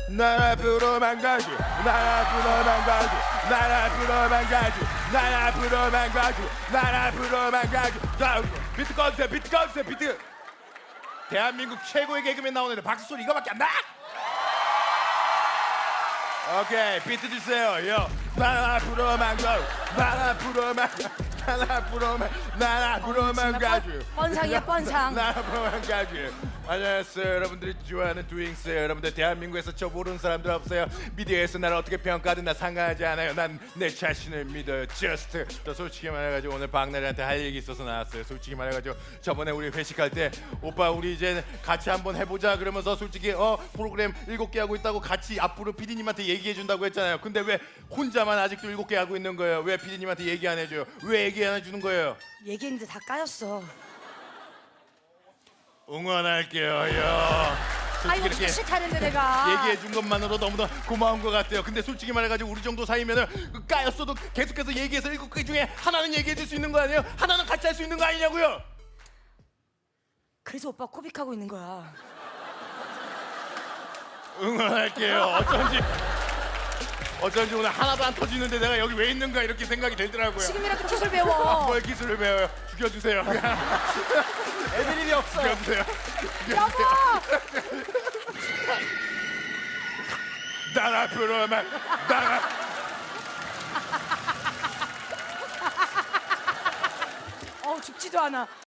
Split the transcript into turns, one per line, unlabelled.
난 앞으로만 가지 난 앞으로만 가지 난 앞으로만 가지 난 앞으로만 가지 난 앞으로만 가지. 자 비트 꺼주세요. 비트 꺼주세요. 비트. 대한민국 최고의 개그맨 나오는데 박수 소리 이거밖에 안 나? 오케이 비트 주세요. 요. 난 앞으로만 가지 난 앞으로만 난 앞으로만 난 앞으로만 가지
뻔상이야 뻔상.
난 앞으로만 가지. 안녕하세요. 여러분들이 좋아하는 두잉스. 여러분들 대한민국에서 저 모르는 사람들 없어요. 미디어에서 나를 어떻게 평가하든 나 상관하지 않아요. 난 내 자신을 믿어요. Just. 저 솔직히 말해가지고 오늘 박나래한테 할 얘기 있어서 나왔어요. 솔직히 말해가지고 저번에 우리 회식할 때 오빠 우리 이제 같이 한번 해보자 그러면서 솔직히 프로그램 7개 하고 있다고 같이 앞으로 PD님한테 얘기해준다고 했잖아요. 근데 왜 혼자만 아직도 7개 하고 있는 거예요? 왜 PD님한테 얘기 안 해줘요? 왜 얘기 안 해주는 거예요?
얘기했는데 다 까였어.
응원할게요. 요.
아이고 진짜 싫다는데 내가.
얘기해 준 것만으로 너무나 고마운 것 같아요. 근데 솔직히 말해가지고 우리 정도 사이면은 까였어도 계속해서 얘기해서 7개 중에 하나는 얘기해 줄 수 있는 거 아니에요? 하나는 같이 할 수 있는 거 아니냐고요?
그래서 오빠 코빅하고 있는 거야.
응원할게요. 어쩐지 오늘 하나도 안 터지는데 내가 여기 왜 있는가 이렇게 생각이 들더라고요.
지금이라도 기술 배워.
뭘 기술을 배워요? 죽여주세요.
애들 일이 없어.
죽여주세요.
여보.
난 앞으로만
죽지도 않아.